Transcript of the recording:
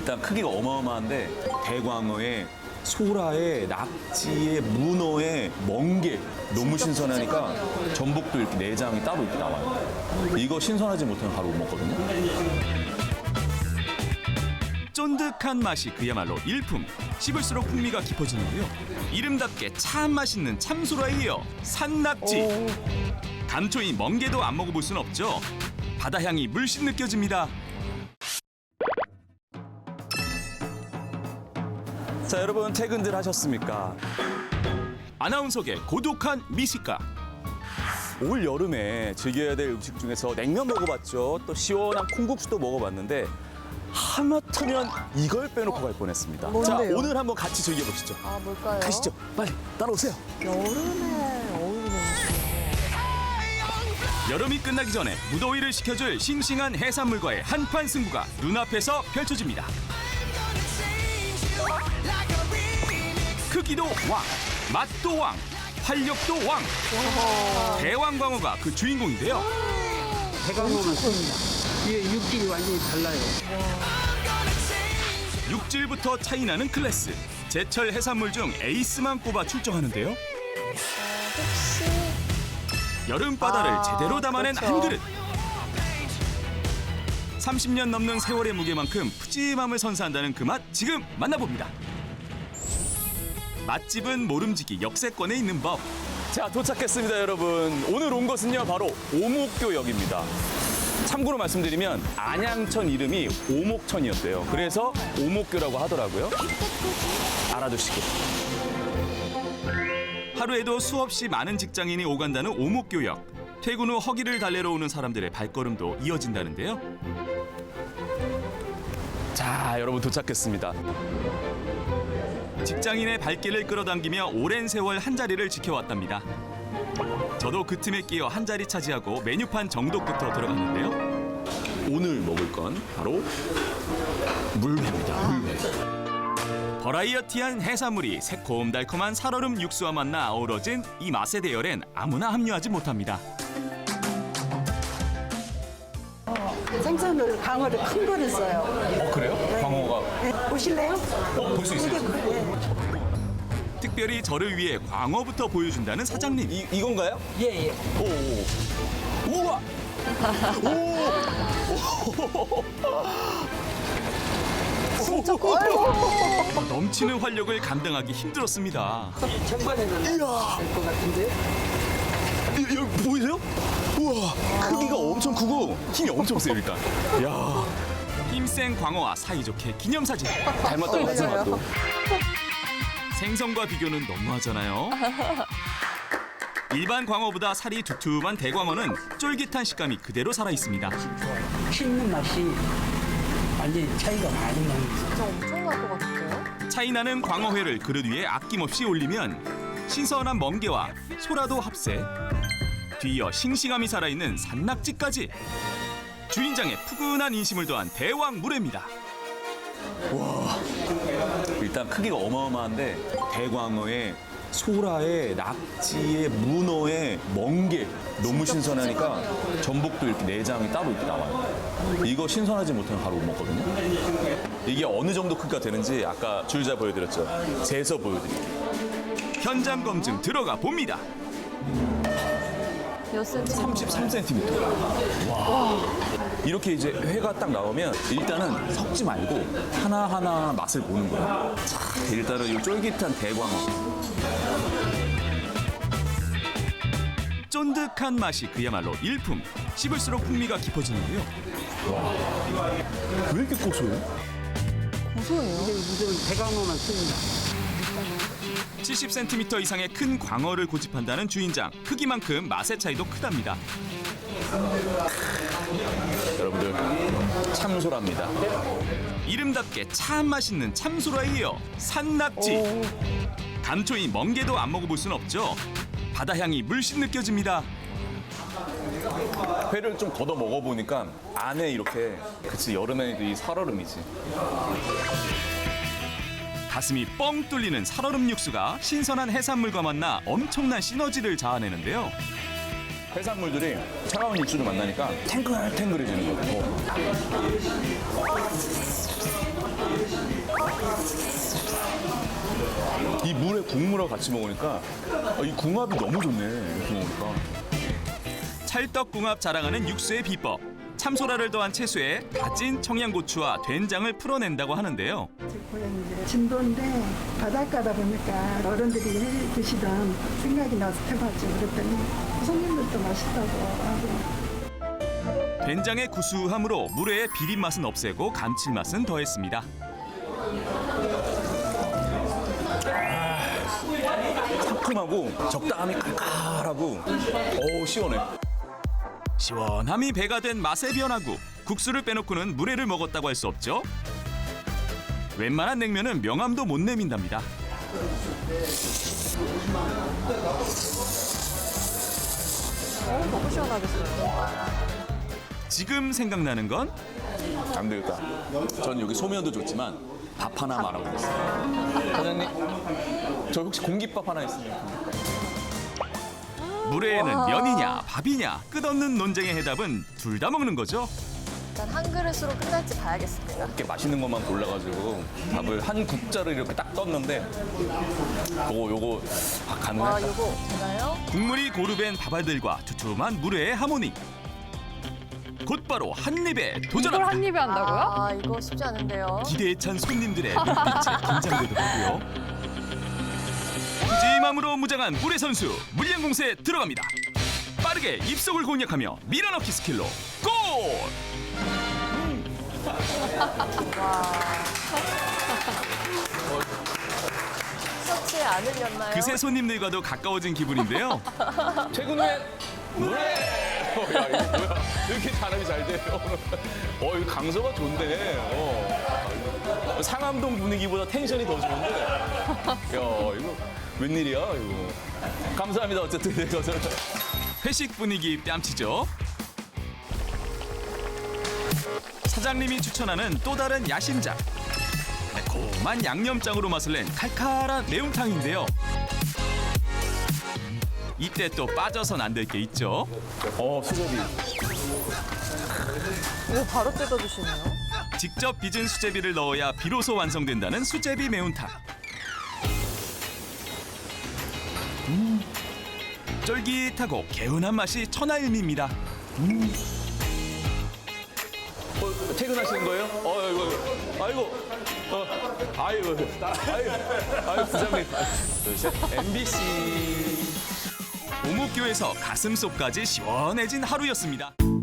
일단 크기가 어마어마한데 대광어에 소라에 낙지에 문어에 멍게 너무 신선하니까 전복도 이렇게 내장이 따로 이렇게 나와요. 이거 신선하지 못하면 바로 못 먹거든요. 쫀득한 맛이 그야말로 일품. 씹을수록 풍미가 깊어지는데요. 이름답게 참 맛있는 참소라에 이어 산낙지. 감초인 멍게도 안 먹어볼 순 없죠. 바다 향이 물씬 느껴집니다. 자, 여러분 퇴근들 하셨습니까? 아나운서계 고독한 미식가. 올 여름에 즐겨야 될 음식 중에서 냉면 먹어봤죠. 또 시원한 콩국수도 먹어봤는데 하마터면 이걸 빼놓고 갈 뻔했습니다. 자, 뭔데요? 오늘 한번 같이 즐겨보시죠. 아, 뭘까요? 가시죠. 빨리 따라오세요. 여름에 어울리는 음식. 여름이 끝나기 전에 무더위를 식혀줄 싱싱한 해산물과의 한판 승부가 눈앞에서 펼쳐집니다. 크기도 왕, 맛도 왕, 활력도 왕. 대왕광어가 그 주인공인데요. 대강어만 씁니다. 이게 육질이 완전히 달라요. 육질부터 차이나는 클래스. 제철 해산물 중 에이스만 꼽아 출정하는데요. 혹시 여름 바다를 제대로 담아낸 그렇죠. 한 그릇. 30년 넘는 세월의 무게만큼 푸짐함을 선사한다는 그 맛 지금 만나봅니다. 맛집은 모름지기 역세권에 있는 법. 자, 도착했습니다, 여러분. 오늘 온 곳은요, 바로 오목교역입니다. 참고로 말씀드리면 안양천 이름이 오목천이었대요. 그래서 오목교라고 하더라고요. 알아두시고. 하루에도 수없이 많은 직장인이 오간다는 오목교역. 퇴근 후 허기를 달래러 오는 사람들의 발걸음도 이어진다는데요. 자, 여러분 도착했습니다. 직장인의 발길을 끌어당기며 오랜 세월 한자리를 지켜왔답니다. 저도 그 틈에 끼어 한자리 차지하고 메뉴판 정독부터 들어갔는데요. 오늘 먹을 건 바로 물회입니다. 물회. 버라이어티한 해산물이 새콤달콤한 살얼음 육수와 만나 어우러진 이 맛의 대열엔 아무나 합류하지 못합니다. 생선을 강어를 큰 거를 써요. 그래요? 광어가 네, 보실래요? 볼 수 있어요? 특별히 저를 위해 광어부터 보여준다는 사장님. 이건가요? 예, 예. 오. 우와. 넘치는 활력을 감당하기 힘들었습니다. 전반에는 될 것 같은데. 여기 보이세요? 우와, 크기가 엄청 크고 힘이 엄청 세요, 일단. 야, 힘센 광어와 사이좋게 기념사진. 닮았다고 하지 마 또. 생선과 비교는 너무하잖아요. 일반 광어보다 살이 두툼한 대광어는 쫄깃한 식감이 그대로 살아있습니다. 씹는 맛이 완전히 차이가 많이 납니다. 진짜 엄청날 것 같은데요? 차이나는 광어회를 그릇 위에 아낌없이 올리면 신선한 멍게와 소라도 합세, 뒤이어 싱싱함이 살아있는 산낙지까지. 주인장의 푸근한 인심을 더한 대왕 물회입니다. 일단 크기가 어마어마한데 대광어에 소라에 낙지에 문어에 멍게 너무 신선하니까 전복도 이렇게 내장이 따로 이렇게 나와요. 이거 신선하지 못하면 바로 못 먹거든요. 이게 어느 정도 크기가 되는지 아까 줄자 보여드렸죠. 재서 보여드릴게요. 현장 검증 들어가 봅니다. 몇 센치? 33cm. 와. 이렇게 이제 회가 딱 나오면 일단은 섞지 말고 하나하나 맛을 보는 거예요. 자, 일단은 이 쫄깃한 대광어. 쫀득한 맛이 그야말로 일품. 씹을수록 풍미가 깊어지는데요. 왜 이렇게 고소해요? 고소해요. 이건 대강어만 씁니다. 70cm 이상의 큰 광어를 고집한다는 주인장. 크기만큼 맛의 차이도 크답니다. 여러분들 참소랍니다. 이름답게 참 맛있는 참소라에 이어 산낙지. 감초인 멍게도 안 먹어볼 순 없죠. 바다 향이 물씬 느껴집니다. 회를 좀 걷어 먹어보니까 안에 이렇게 그치 여름에도 이 살얼음이지. 가슴이 뻥 뚫리는 살얼음 육수가 신선한 해산물과 만나 엄청난 시너지를 자아내는데요. 해산물들이 차가운 육수를 만나니까 탱글탱글해지는 거예요. 이 물에 국물하고 같이 먹으니까 이 궁합이 너무 좋네. 이렇게 먹으니까. 찰떡궁합 자랑하는 육수의 비법. 참소라를 더한 채소에 다진 청양고추와 된장을 풀어낸다고 하는데요. 제 고향이 진도인데 바닷가다 보니까 어른들이 해 드시던 생각이 나서 해봤죠. 그랬더니 손님들도 맛있다고 하고. 된장의 구수함으로 물회의 비린 맛은 없애고 감칠맛은 더했습니다. 상큼하고 적당히 칼칼하고 어우 시원해. 시원함이 배가 된 맛의 변화구. 국수를 빼놓고는 물회를 먹었다고 할 수 없죠. 웬만한 냉면은 명함도 못 내민답니다. 너무 시원하겠어요. 지금 생각나는 건 안 되겠다. 저는 여기 소면도 좋지만 밥 하나 말아보겠습니다. 사장님, 저 혹시 공깃밥 하나 있습니까? 물회에는 면이냐 밥이냐 끝없는 논쟁의 해답은 둘 다 먹는 거죠. 일단 한 그릇으로 끝날지 봐야겠습니다. 이렇게 맛있는 것만 골라가지고 밥을 한 국자를 이렇게 딱 떴는데 요거 와, 가능할까? 요거 되나요? 국물이 고루벤 밥알들과 두툼한 물회의 하모니. 곧바로 한 입에 이걸 도전합니다. 한 입에 한다고요? 아, 이거 쉽지 않은데요. 기대에 찬 손님들의 눈빛에 긴장되도 하고요. 푸짐함으로 무장한 물회 선수 물량공세에 들어갑니다. 빠르게 입속을 공략하며 밀어넣기 스킬로 골! 섭취에 안 흘렸나요? 그새 손님들과도 가까워진 기분인데요. 최근에 물회! 야, 이거 뭐야? 이렇게 단합이 잘 돼요. 이거 강서가 좋은데. 상암동 분위기보다 텐션이 더 좋은데. 야, 이거 웬일이야, 이거. 감사합니다, 어쨌든. 회식 분위기 뺨치죠. 사장님이 추천하는 또 다른 야심작. 매콤한 양념장으로 맛을 낸 칼칼한 매운탕인데요. 이때 또 빠져선 안 될 게 있죠. 수제비. 오, 바로 뜯어주시네요. 직접 빚은 수제비를 넣어야 비로소 완성된다는 수제비 매운탕. 쫄깃하고 개운한 맛이 천하일미입니다. 퇴근하시는 거예요? 아이고, 부장님. 둘, 셋. MBC. 오목교에서 가슴속까지 시원해진 하루였습니다.